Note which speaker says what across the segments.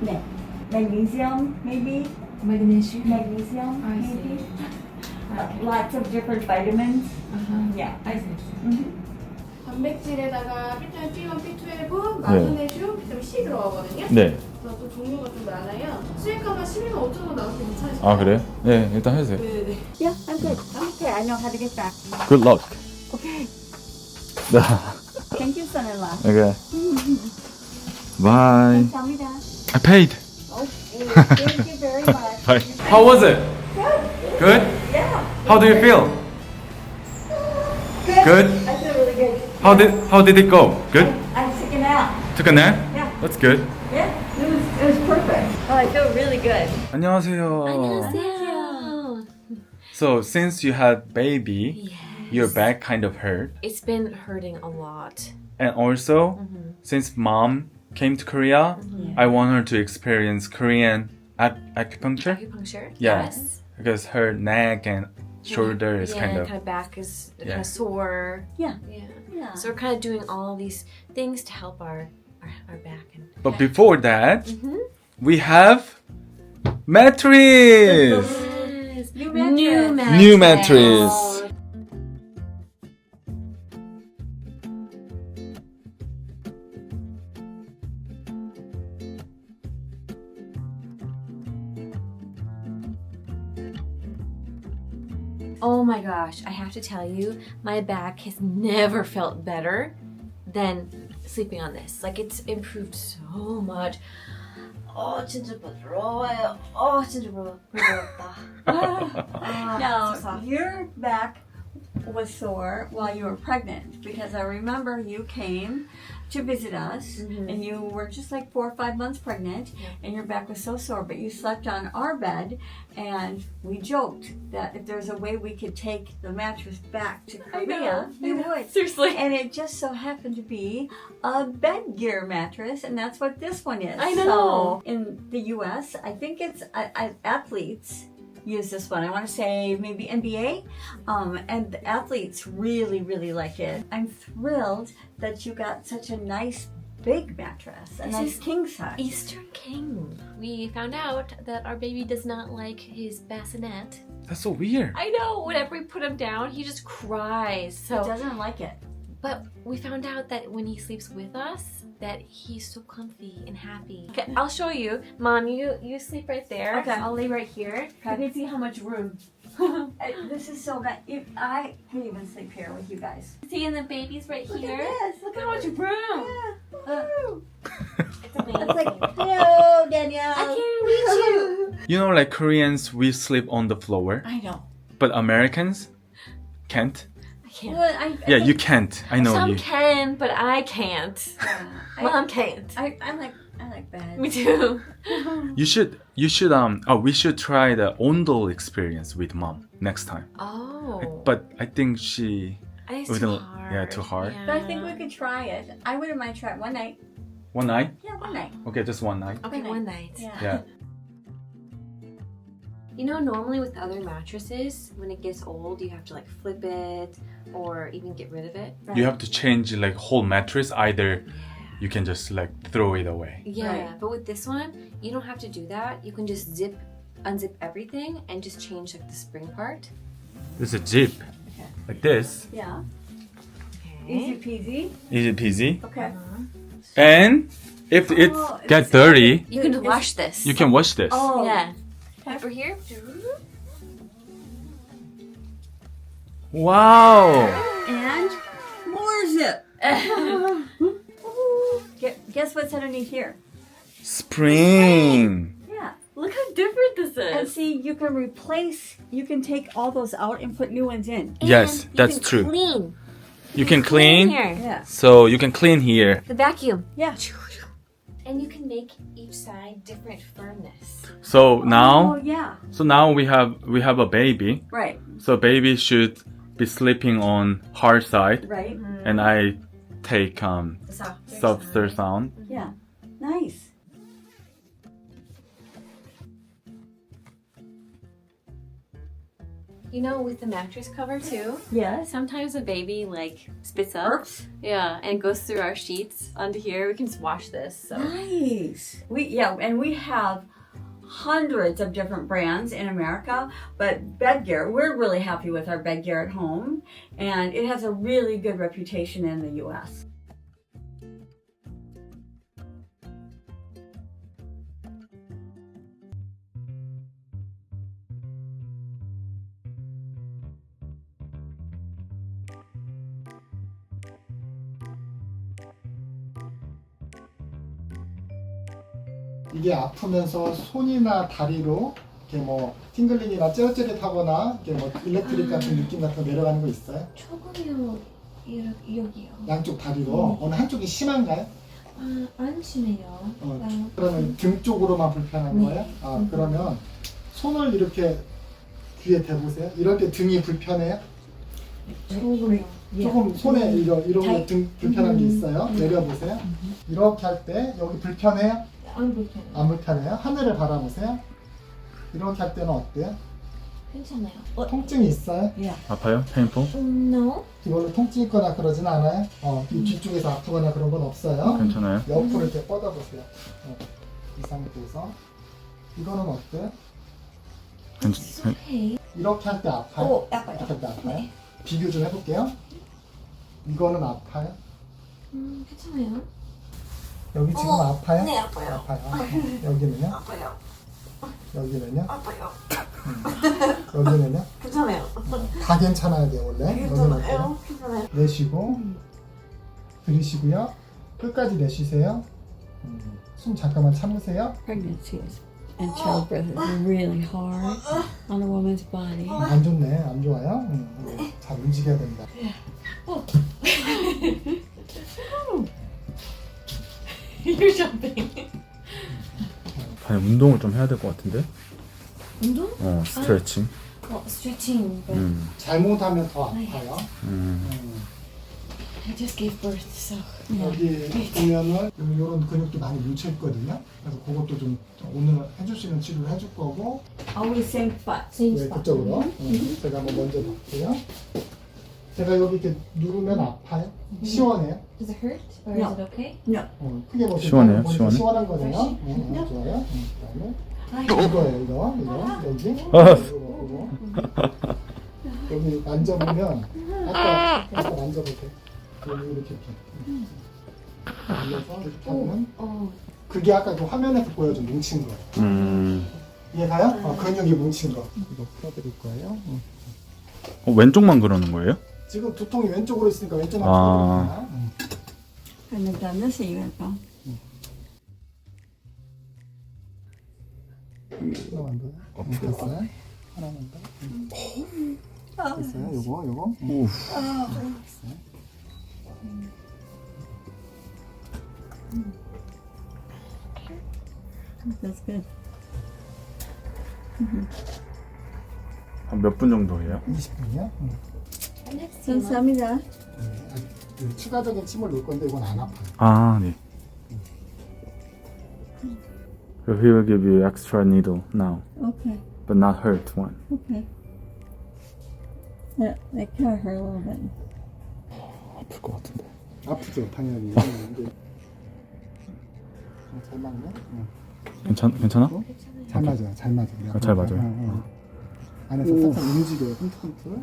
Speaker 1: 네. Magnesium, maybe?
Speaker 2: Magnesium.
Speaker 1: Magnesium,
Speaker 2: I see.
Speaker 1: maybe?
Speaker 2: Okay.
Speaker 1: Lots of different vitamins.
Speaker 2: Uh-huh.
Speaker 1: Yeah.
Speaker 2: I see.
Speaker 1: Mhm.
Speaker 3: 단백질에다가 비타민 B1, B12, 마그네슘, 비타민 C 들어가거든요.
Speaker 4: 네.
Speaker 3: 그래서 또 종류가 좀 많아요. 수익가가 12만 5천 원 나와서 괜찮으세요?
Speaker 4: 아 그래요? 네, 일단 해주세요.
Speaker 3: 네네.
Speaker 1: Yeah, I'm good. Okay, I know how to get back.
Speaker 4: Good luck.
Speaker 1: Okay.
Speaker 4: 네.
Speaker 1: Thank you, son-in-law.
Speaker 4: Okay. Bye.
Speaker 1: 감사합니다.
Speaker 4: I paid.
Speaker 1: Okay, thank you very much.
Speaker 4: Bye. How was it? Good?
Speaker 1: Yeah.
Speaker 4: How do you feel? Good?
Speaker 1: I feel really good.
Speaker 4: How did it go? Good?
Speaker 1: I took a nap.
Speaker 4: Took a nap?
Speaker 1: Yeah.
Speaker 4: That's good.
Speaker 1: Yeah, it was perfect. Oh, I feel really good.
Speaker 4: 안녕하세요.
Speaker 2: 안녕하세요.
Speaker 4: So since you had baby, your back kind of hurt.
Speaker 2: It's been hurting a lot.
Speaker 4: And also, since mom came to Korea, I want her to experience Korean acupuncture.
Speaker 2: Acupuncture?
Speaker 4: Yeah.
Speaker 2: Yes.
Speaker 4: Because her neck and shoulder is
Speaker 2: yeah,
Speaker 4: kind of...
Speaker 2: kind of back is kind
Speaker 4: Yeah.
Speaker 2: of sore.
Speaker 1: Yeah.
Speaker 2: Yeah.
Speaker 1: Yeah.
Speaker 2: So we're kind of doing all these things to help our back. And
Speaker 4: But before that, we have mattress!
Speaker 2: yes.
Speaker 1: New mattress.
Speaker 4: New mattress.
Speaker 2: Oh my gosh, I have to tell you, my back has never felt better than sleeping on this. Like it's improved so much. 진짜 부드러워요. 진짜 부드럽다.
Speaker 1: Now, your back was sore while you were pregnant because I remember you came to visit us and you were just like 4 or 5 months pregnant and your back was so sore, but you slept on our bed and we joked that if there's a way we could take the mattress back to Korea, we would.
Speaker 2: Seriously.
Speaker 1: And it just so happened to be a bed gear mattress, and that's what this one is.
Speaker 2: I know.
Speaker 1: So in the US, I think it's athletes use this one. I want to say maybe NBA, and the athletes really, really like it. I'm thrilled that you got such a nice big mattress, a
Speaker 2: This
Speaker 1: nice
Speaker 2: is
Speaker 1: king size.
Speaker 2: Eastern King. We found out that our baby does not like his bassinet.
Speaker 4: That's so weird.
Speaker 2: I know. Whenever we put him down, he just cries.
Speaker 1: He
Speaker 2: So,
Speaker 1: doesn't like it.
Speaker 2: but we found out that when he sleeps with us, that he's so comfy and happy. Okay, I'll show you. Mom, you sleep right there.
Speaker 1: Okay.
Speaker 2: I'll lay right here.
Speaker 1: Okay.
Speaker 2: You can see how much room.
Speaker 1: This is so bad. I could even sleep here with you guys.
Speaker 2: See, and the baby's right
Speaker 1: Look
Speaker 2: here.
Speaker 1: at this.
Speaker 2: Look how much room. It's amazing.
Speaker 1: It's like, hello, Danielle.
Speaker 2: I can't reach you.
Speaker 4: You know, like Koreans, we sleep on the floor,
Speaker 1: I know.
Speaker 4: but Americans can't.
Speaker 2: I can't.
Speaker 1: Well,
Speaker 4: Yeah, you can't. I know
Speaker 2: Some
Speaker 4: you.
Speaker 2: can, but I can't. Mom can't.
Speaker 1: I like bed.
Speaker 2: Me too.
Speaker 4: You should. We should try the Ondol experience with mom next time.
Speaker 2: Oh.
Speaker 4: But I think she.
Speaker 2: I think it's
Speaker 4: wouldn't-
Speaker 2: too hard.
Speaker 4: yeah, too hard.
Speaker 1: But I think we could try it. I wouldn't mind trying one night.
Speaker 4: One night.
Speaker 1: Yeah, one night.
Speaker 4: Okay, just one night.
Speaker 2: Okay,
Speaker 1: One
Speaker 2: one night.
Speaker 1: Yeah.
Speaker 4: Yeah.
Speaker 2: You know, normally with other mattresses, when it gets old, you have to like flip it or even get rid of it.
Speaker 4: You have to change like whole mattress. Either you can just like throw it away.
Speaker 2: Yeah,
Speaker 1: Right.
Speaker 2: but with this one, you don't have to do that. You can just unzip everything and just change like the spring part.
Speaker 4: There's a zip like this.
Speaker 1: Yeah.
Speaker 2: Okay.
Speaker 1: Easy peasy.
Speaker 4: Easy peasy.
Speaker 1: Okay.
Speaker 4: And if it
Speaker 1: Oh,
Speaker 4: gets dirty,
Speaker 2: You can wash this.
Speaker 4: you can wash this.
Speaker 1: Oh.
Speaker 2: Yeah. Over here.
Speaker 4: Wow.
Speaker 1: And more zip. Guess what's underneath here?
Speaker 4: Spring.
Speaker 1: Yeah.
Speaker 2: Look how different this
Speaker 1: And
Speaker 2: is.
Speaker 1: see, you can take all those out and put new ones in.
Speaker 4: Yes,
Speaker 2: And you
Speaker 4: that's
Speaker 2: can
Speaker 4: true.
Speaker 2: Clean.
Speaker 4: You can clean.
Speaker 2: Here.
Speaker 1: Yeah.
Speaker 4: So you can clean here.
Speaker 2: The vacuum.
Speaker 1: Yeah.
Speaker 2: And you can make each side different firmness.
Speaker 4: So
Speaker 1: Oh,
Speaker 4: now,
Speaker 1: yeah.
Speaker 4: we have a baby.
Speaker 1: Right.
Speaker 4: So baby should be sleeping on hard side,
Speaker 1: Right.
Speaker 4: and I take
Speaker 2: The softer
Speaker 4: softer
Speaker 2: side.
Speaker 4: sound.
Speaker 1: Yeah. Nice.
Speaker 2: You know, with the mattress cover too.
Speaker 1: Yes.
Speaker 2: Sometimes a baby like spits up.
Speaker 1: Burps.
Speaker 2: Yeah, and goes through our sheets onto here. We can just wash this. So.
Speaker 1: Nice. And we have hundreds of different brands in America, but bed gear, we're really happy with our bed gear at home, and it has a really good reputation in the US.
Speaker 5: 이게 아프면서 손이나 다리로 이렇게 뭐 팅글링이나 찌릿찌릿하거나 이렇게 뭐 일렉트릭 같은 느낌 같은 거 내려가는 거 있어요?
Speaker 2: 조금요. 여기요.
Speaker 5: 양쪽 다리로 어느 한쪽이 심한가요?
Speaker 2: 안 심해요.
Speaker 5: 그러면 등 쪽으로만 불편한 거예요? 그러면 손을 이렇게 귀에 대보세요. 이럴 때 등이 불편해요? 조금 손에 이런 거 등 불편한 게 있어요. 내려보세요. 이렇게 할 때 여기 불편해요?
Speaker 2: 안 불편해요.
Speaker 5: 안 불편해요? 하늘을 바라보세요. 이렇게 할 때는 어때요?
Speaker 2: 괜찮아요.
Speaker 5: 통증이 있어요?
Speaker 4: 아파요? painful?
Speaker 2: No.
Speaker 5: 이걸로 통증 있거나 그러진 않아요? 이 뒤쪽에서 아프거나 그런 건 없어요?
Speaker 4: 괜찮아요?
Speaker 5: 옆으로 이렇게 뻗어보세요. 이 상태에서. 이거는 어때요?
Speaker 2: Okay.
Speaker 5: 이렇게 할 때 아파요?
Speaker 1: 아파요.
Speaker 5: 이렇게 할 때 아파요? 비교 좀 해볼게요. 이거는 아파요?
Speaker 2: 괜찮아요.
Speaker 5: 여기 지금 아파요?
Speaker 2: 네, 아파요.
Speaker 5: 여기는요?
Speaker 2: 아파요.
Speaker 5: 여기는요?
Speaker 2: 아파요.
Speaker 5: 여기는요?
Speaker 2: 괜찮아요.
Speaker 5: 다 괜찮아야 돼요, 원래. 여기는 어때요?
Speaker 2: 괜찮아요.
Speaker 5: 내쉬고, 들이쉬고요. 끝까지 내쉬세요. 숨 잠깐만 참으세요.
Speaker 1: Pregnancy and childbirth is really hard on a woman's body.
Speaker 5: 안 좋네, 안 좋아요? 잘 움직여야 된다.
Speaker 2: You're jumping.
Speaker 4: 아니, 운동을 좀 해야 될 것 같은데?
Speaker 2: 운동?
Speaker 4: 스트레칭.
Speaker 2: Stretching. But
Speaker 5: 잘못하면 더 아파요.
Speaker 2: I just gave birth, so.
Speaker 5: 여기 보면은 이런 근육도 많이 뭉쳐 있거든요. 그래서 그것도 좀 오늘 해줄 수 있는 치료를 해줄 거고.
Speaker 1: Always same spot.
Speaker 2: Same
Speaker 5: 네,
Speaker 2: spot.
Speaker 5: 그쪽으로. 제가 한번 먼저 볼게요. 제가 여기 이렇게 누르면 아파요? 시원해요?
Speaker 2: Does it hurt? Or
Speaker 1: No.
Speaker 2: is it okay?
Speaker 5: 크게 보시면
Speaker 4: 시원해요?
Speaker 5: 보니까
Speaker 4: 시원해?
Speaker 5: 시원한 거네요. 좋아요. 그다음에 이거예요, 이거 여기.
Speaker 4: 아.
Speaker 5: 이거. 여기 만져보면 아까 만져보세요. 여기 이렇게 올려서 이렇게 하면 그게 아까 그 화면에서 보여준 뭉친 거예요. 이해가요? 근육이 뭉친 거. 이거 풀어드릴 거예요.
Speaker 4: 왼쪽만 그러는 거예요?
Speaker 5: 지금 두통이 왼쪽으로 있으니까 왼쪽만
Speaker 4: 아.
Speaker 5: 풀어드릴게요.
Speaker 1: And they've done this even.
Speaker 5: 하나만 더요. 됐어요? 하나만 더. 됐어요? 요거.
Speaker 4: 우.
Speaker 5: 됐어요.
Speaker 1: That's good.
Speaker 4: 한 몇 분 정도 해요?
Speaker 5: 20분이요?
Speaker 1: 감사합니다.
Speaker 5: 추가적인 침을 놓을 건데 이건 안 아파요.
Speaker 4: 아, 네. So he will give you extra needle now,
Speaker 1: Okay.
Speaker 4: but not hurt one.
Speaker 1: Okay. That kind of hurt a little bit.
Speaker 4: 아플 것 같은데.
Speaker 5: 아프죠, 당연히. 근데 잘 맞네.
Speaker 4: 괜찮아?
Speaker 5: 잘 맞아요, 잘 맞아요.
Speaker 4: 아, 잘 맞아요.
Speaker 5: 안에서 살짝 움직여요, 흠틀흠틀.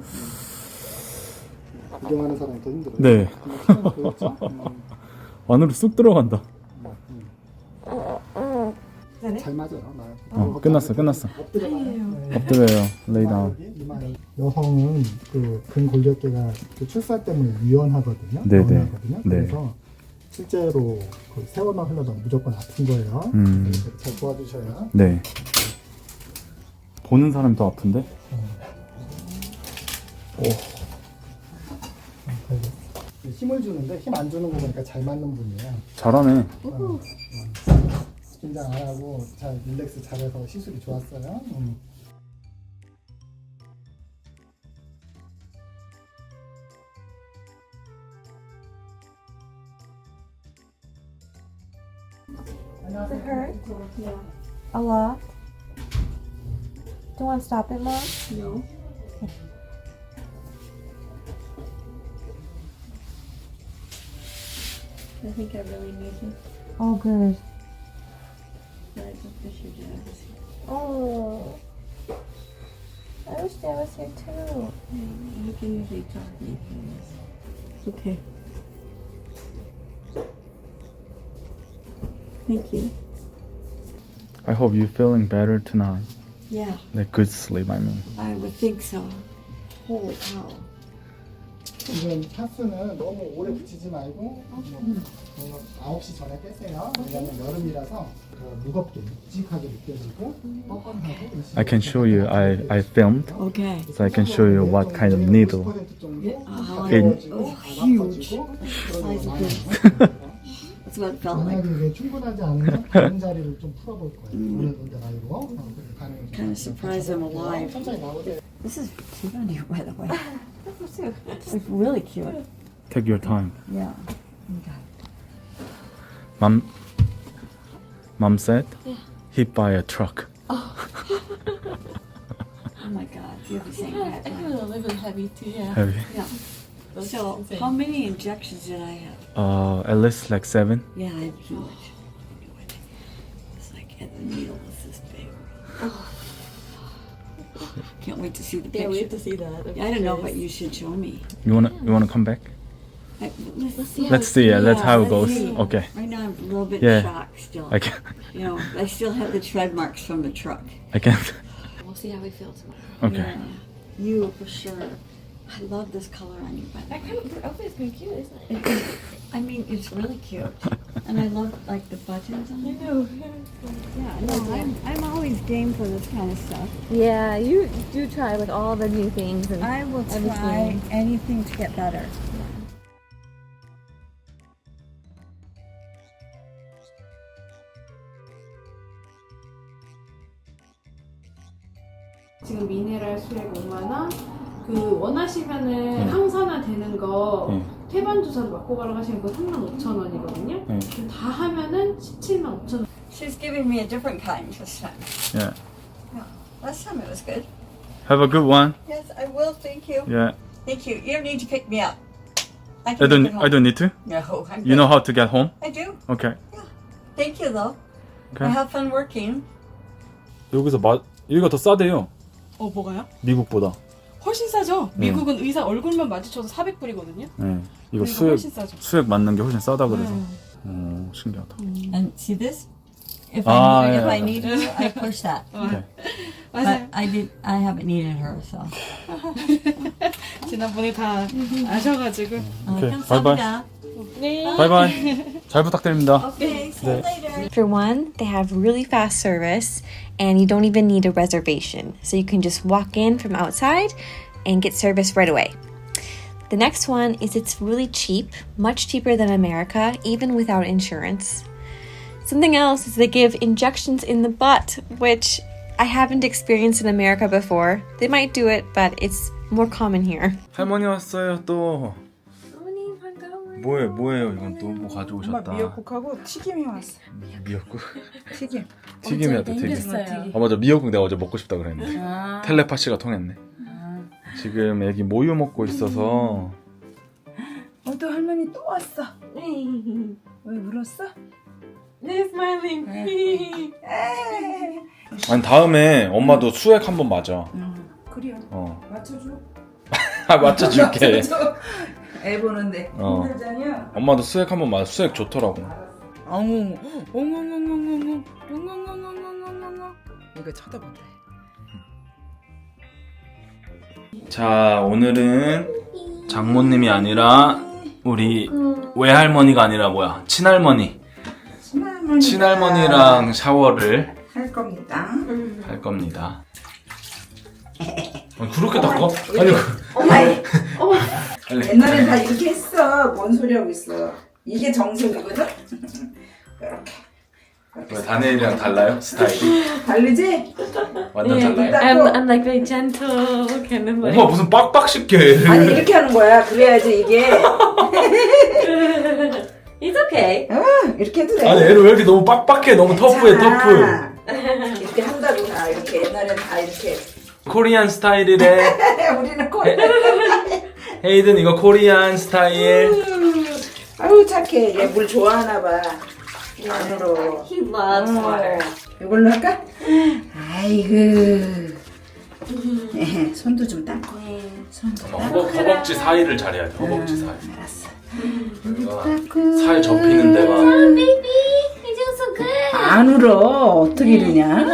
Speaker 5: 구경하는 사람이 더 힘들어요.
Speaker 4: 네.
Speaker 5: 보였죠?
Speaker 4: 안으로 쑥 들어간다.
Speaker 5: 잘 맞아요.
Speaker 4: 끝났어. 엎드려요. lay down.
Speaker 5: 여성은 그 근골격계가 그 출산 때문에 유연하거든요.
Speaker 4: 네네.
Speaker 5: 유연하거든요.
Speaker 4: 네.
Speaker 5: 그래서 실제로 그 세월만 흘러도 무조건 아픈 거예요. 그래서 잘 도와주셔야.
Speaker 4: 네. 보는 사람이 더 아픈데?
Speaker 5: 힘을 주는데 힘 안 주는 거 보니까 잘 맞는 분이에요.
Speaker 4: 잘하네.
Speaker 5: 긴장 안 하고 잘 릴렉스 잘해서 시술이 좋았어요.
Speaker 2: Does it hurt? A lot? Do you want to stop it, Mom?
Speaker 1: No. I think I really need this.
Speaker 2: Oh, good.
Speaker 1: I just wish your dad was here.
Speaker 2: Oh. I wish Dad was here too.
Speaker 1: You can usually talk to me through this. Okay. Thank you.
Speaker 4: I hope you're feeling better tonight.
Speaker 1: Yeah,
Speaker 4: Like good sleep, I mean.
Speaker 1: I would think so. Holy cow.
Speaker 5: 지금 파스는 너무 오래 붙이지 말고 9시 전에 빼세요. 왜냐면 여름이라서 무겁게 묵직하게 느껴지고 뻐근하고.
Speaker 4: I can show you. I filmed,
Speaker 1: Okay.
Speaker 4: so I can show you what kind of needle.
Speaker 5: 50% 정도
Speaker 4: In-
Speaker 1: huge. That's what it felt like.
Speaker 5: 만약에 이게 충분하지 않으면 다른 자리를 좀 풀어볼 거예요. 어느 정도 나이로 가능해요.
Speaker 1: Kind of surprised I'm alive.
Speaker 5: 천천히 나오세요.
Speaker 1: This is cute on you, by the way. It's really cute.
Speaker 4: Take your time.
Speaker 1: Yeah. Okay.
Speaker 4: Mom said hit by a truck.
Speaker 1: Oh my God, you have the same hat.
Speaker 6: I feel a little heavy too, yeah.
Speaker 4: Heavy.
Speaker 1: Yeah. So, how many injections did I have?
Speaker 4: At least like 7.
Speaker 1: Yeah, I had too much. It's like, and the needle was this big. Can't wait to see the
Speaker 6: Can't wait
Speaker 1: picture.
Speaker 6: to see that.
Speaker 1: I don't know, but you should show me.
Speaker 4: You wanna come back?
Speaker 1: Let's see.
Speaker 4: Let's see. Yeah, that's how it goes.
Speaker 1: see.
Speaker 4: Okay.
Speaker 1: Right now, I'm a little bit
Speaker 4: Yeah.
Speaker 1: shocked still.
Speaker 4: I can.
Speaker 1: You know, I still have the tread marks from the truck.
Speaker 4: I can.
Speaker 6: We'll see how we feel tomorrow.
Speaker 4: Okay.
Speaker 1: Yeah. You for sure. I love this color on you, by the way.
Speaker 6: Your outfit's kind of cute, isn't it?
Speaker 1: I mean, it's really cute, and I love like the buttons on it.
Speaker 6: know.
Speaker 1: Yeah, no, I'm always game for this kind of stuff.
Speaker 2: Yeah, you do try like all the new things and
Speaker 1: I will try
Speaker 2: everything.
Speaker 1: anything to get better.
Speaker 3: 지금 미네랄 수액 5만원 그 원하시면은 항산화 되는 거 태반 주사로 맞고 가라고 하시면 그거 35,000원이거든요. 다 하면은 175,000원.
Speaker 1: She's giving me a different kind this time.
Speaker 4: Yeah.
Speaker 1: Last time it was good.
Speaker 4: Have a good one.
Speaker 1: Yes, I will. Thank you.
Speaker 4: Yeah.
Speaker 1: Thank you. You don't need to pick me up. I
Speaker 4: I
Speaker 1: can
Speaker 4: don't.
Speaker 1: make it home.
Speaker 4: I don't need to.
Speaker 1: No, I'm
Speaker 4: You know how to get home?
Speaker 1: I do.
Speaker 4: Okay.
Speaker 1: Thank you, though.
Speaker 4: Okay.
Speaker 1: I have fun working.
Speaker 4: 여기서 여기가 더 싸대요.
Speaker 6: 뭐가요?
Speaker 4: 미국보다.
Speaker 6: 훨씬 싸죠? 미국은 의사 얼굴만 마주쳐도 400불이거든요.
Speaker 4: 네. 이거
Speaker 6: 그리고 훨씬 싸죠.
Speaker 4: 수액 맞는 게 훨씬 싸다 그래서. 오, 신기하다.
Speaker 1: And see this? If
Speaker 4: Ah,
Speaker 1: I
Speaker 4: yeah.
Speaker 1: if I need you, I push that.
Speaker 4: Okay.
Speaker 6: 맞아요.
Speaker 1: But I haven't needed her, so.
Speaker 6: 지난번에 다 아셔가지고.
Speaker 4: Okay.
Speaker 1: 감사합니다.
Speaker 6: 네.
Speaker 4: 바이바이. 잘 부탁드립니다.
Speaker 1: Okay, see you later.
Speaker 2: For one, they have really fast service and you don't even need a reservation. So you can just walk in from outside and get service right away. The next one is it's really cheap, much cheaper than America, even without insurance. Something else is they give injections in the butt, which I haven't experienced in America before. They might do it, but it's more common here.
Speaker 4: 할머니 왔어요 또.
Speaker 2: 어머니 반가워요.
Speaker 4: 뭐예요 이건 또 뭐 가져오셨다.
Speaker 7: 미역국하고 튀김이 왔어.
Speaker 4: 미역국.
Speaker 7: 튀김.
Speaker 4: 튀김이었다 튀김.
Speaker 6: 땡겼어요.
Speaker 4: 아 맞아 미역국 내가 어제 먹고 싶다 그랬는데. 텔레파시가 통했네. 지금 애기 모유 먹고 있어서.
Speaker 7: 또 할머니 또 왔어. 왜 울었어?
Speaker 6: 네, 스마일링.
Speaker 4: 아니 다음에 엄마도 수액 한번 맞아.
Speaker 7: 그래요. 맞춰줘.
Speaker 4: 아 맞춰줄게.
Speaker 7: 맞춰줘. 애 보는데 힘들잖여.
Speaker 4: 엄마도 수액 한번 맞아. 수액 좋더라고.
Speaker 7: 엉엉 엉엉엉엉엉엉 엉엉엉엉엉엉엉 이거 쳐다본다.
Speaker 4: 자 오늘은 장모님이 아니라 우리 외할머니가 아니라 뭐야 친할머니랑 샤워를
Speaker 7: 할 겁니다.
Speaker 4: 할 겁니다. 아니, 그렇게 닦아? 아니 빨리.
Speaker 7: 옛날엔 다 이렇게 했어. 뭔 소리 하고 있어. 이게 정석이거든. 이렇게
Speaker 4: 왜 다니엘이랑 달라요? 스타일이?
Speaker 7: 다르지?
Speaker 4: 완전 달라요?
Speaker 2: I'm like very gentle, kind of like.
Speaker 4: 엄마 무슨 빡빡쉽게 해.
Speaker 7: 아니 이렇게 하는 거야. 그래야지 이게.
Speaker 2: It's okay.
Speaker 7: 이렇게 해도 돼.
Speaker 4: 아니 애를 왜 이렇게 너무 빡빡해. 너무 터프해 터프.
Speaker 7: 이렇게 한다고 다 이렇게 옛날엔 다 이렇게
Speaker 4: 코리안 스타일이래.
Speaker 7: 우리는 코리안.
Speaker 4: 헤이든 이거 코리안 스타일.
Speaker 7: 아유 착해. 얘 물 좋아하나 봐. 안으로.
Speaker 2: He loves water.
Speaker 7: 이걸로 할까? 아이고. 손도 좀 닦고. 손도 닦고.
Speaker 4: 허벅지 사이를 잘해야 돼. 허벅지 사이.
Speaker 7: 알았어.
Speaker 4: 살 접히는 데가.
Speaker 2: Baby, you're doing so good.
Speaker 7: 안 울어. 어떻게 이러냐?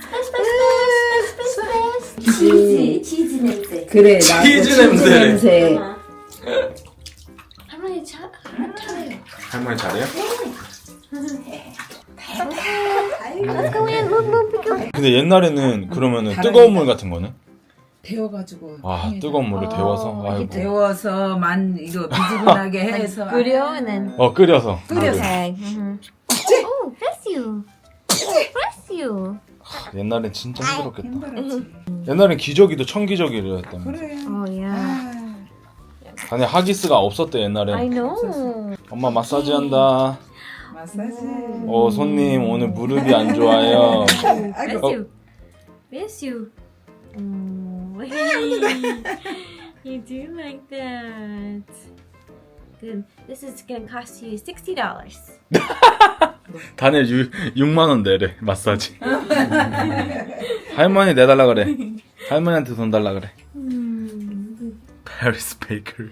Speaker 2: 치즈 냄새.
Speaker 7: 그래 나도
Speaker 4: 치즈
Speaker 7: 치즈
Speaker 4: 냄새.
Speaker 7: 냄새.
Speaker 2: 할머니 잘해요.
Speaker 4: 할머니 잘해요? 근데 옛날에는 그러면은 뜨거운 물 같은 거는?
Speaker 7: 데워가지고.
Speaker 4: 아 뜨거운 물을 데워서. 아이고.
Speaker 7: 데워서만 이거 미지근하게 해서.
Speaker 2: 끓여 and then
Speaker 4: 끓여서.
Speaker 7: 끓여서.
Speaker 2: okay. Oh, bless you. Bless you.
Speaker 4: 옛날엔 진짜 힘들었겠다.
Speaker 7: 힘들었지.
Speaker 4: 옛날엔 기저귀도 천기저귀였다며.
Speaker 7: 그래.
Speaker 2: Oh yeah.
Speaker 4: 아니 하기스가 없었대
Speaker 2: I
Speaker 4: 옛날엔.
Speaker 2: know.
Speaker 4: 엄마 마사지 한다.
Speaker 7: 마사지.
Speaker 4: 손님 오늘 무릎이 안 좋아요.
Speaker 2: Bless
Speaker 4: Oh.
Speaker 2: you. Bless you. Oh, you do like that. Good. This is gonna cost you $60.
Speaker 4: 단일 6만 원 내래 마사지. 할머니 내달라 그래. 할머니한테 돈 달라 그래. Paris Baker.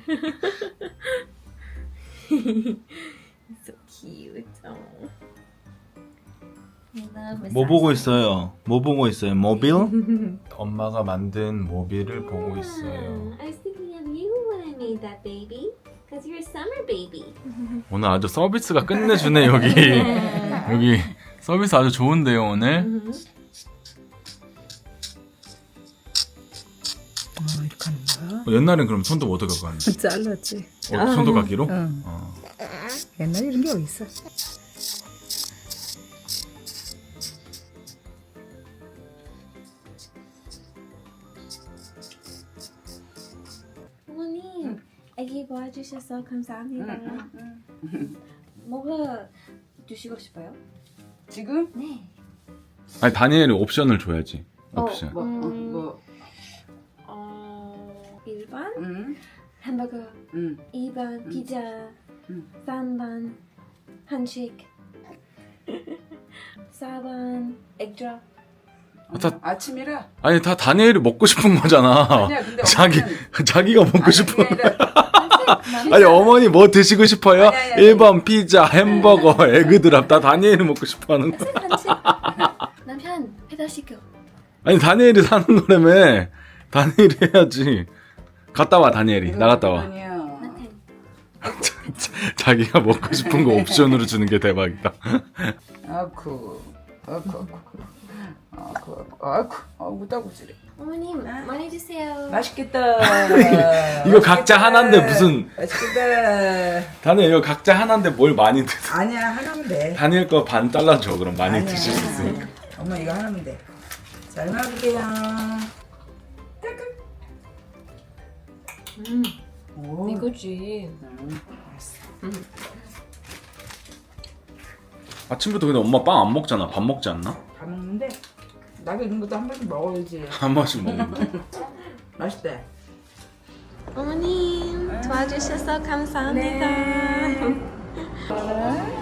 Speaker 2: So cute. Oh. I love
Speaker 4: 뭐 보고 있어요? 뭐 보고 있어요? 모빌? 엄마가 만든 모빌을 보고 있어요.
Speaker 2: I was thinking of you when I made that baby. Because you're a summer baby.
Speaker 4: 오늘 아주 서비스가 끝내주네 여기. 여기 서비스 아주 좋은데요 오늘.
Speaker 7: 이렇게 하는 거야?
Speaker 4: 옛날엔 그럼 손톱 어떻게 갖고 왔는데?
Speaker 7: 잘랐지.
Speaker 4: 손톱깎이로?
Speaker 7: 응. 옛날에 이런 게 어딨어?
Speaker 2: 어머님, 아기 도와주셔서 감사합니다. 뭐가 드시고 싶어요?
Speaker 7: 지금?
Speaker 2: 네.
Speaker 4: 아니 다니엘이 옵션을 줘야지. 옵션.
Speaker 7: 뭐?
Speaker 2: 1번
Speaker 7: 응.
Speaker 2: 햄버거,
Speaker 7: 응.
Speaker 2: 2번 피자,
Speaker 7: 응.
Speaker 2: 3번 한식, 4번 액젓.
Speaker 7: 아침이라?
Speaker 4: 아니 다 다니엘이 먹고 싶은 거잖아.
Speaker 7: 아니야 근데
Speaker 4: 자기가 먹고 싶은.
Speaker 7: 그게 아니라
Speaker 4: 아니 어머니 뭐 드시고 싶어요?
Speaker 7: 아니.
Speaker 4: 1번 피자, 햄버거, 에그드랍 다 다니엘이 먹고 싶어하는 거.
Speaker 2: 한식. 남편 배달시켜.
Speaker 4: 아니 다니엘이 사는 거라며. 다니엘이 해야지. 갔다 와 다니엘이. 나갔다 와.
Speaker 7: 아니야.
Speaker 4: 자기가 먹고 싶은 거 옵션으로 주는 게 대박이다.
Speaker 7: 아쿠. 무다구지래.
Speaker 2: 어머님 많이 드세요.
Speaker 7: 맛있겠다.
Speaker 4: 이거 각자 하나인데 무슨
Speaker 7: 맛있겠다.
Speaker 4: 다니엘 이거 각자 하나인데 뭘 많이 드세요?
Speaker 7: 아니야 하나면 돼.
Speaker 4: 다니엘 거 반 잘라줘 그럼 많이
Speaker 7: 아니야.
Speaker 4: 드실 수 있으니까.
Speaker 7: 엄마 이거 하나면 돼. 잘 먹을게요. 오.
Speaker 2: 이거지.
Speaker 4: 아침부터 근데 엄마 빵 안 먹잖아. 밥 먹지 않나?
Speaker 7: 다 먹는데 나도 이런 것도 한 번씩 먹어야지.
Speaker 4: 한 번씩 먹는다.
Speaker 7: 맛있대.
Speaker 2: 어머님 도와주셔서 감사합니다.
Speaker 7: 네.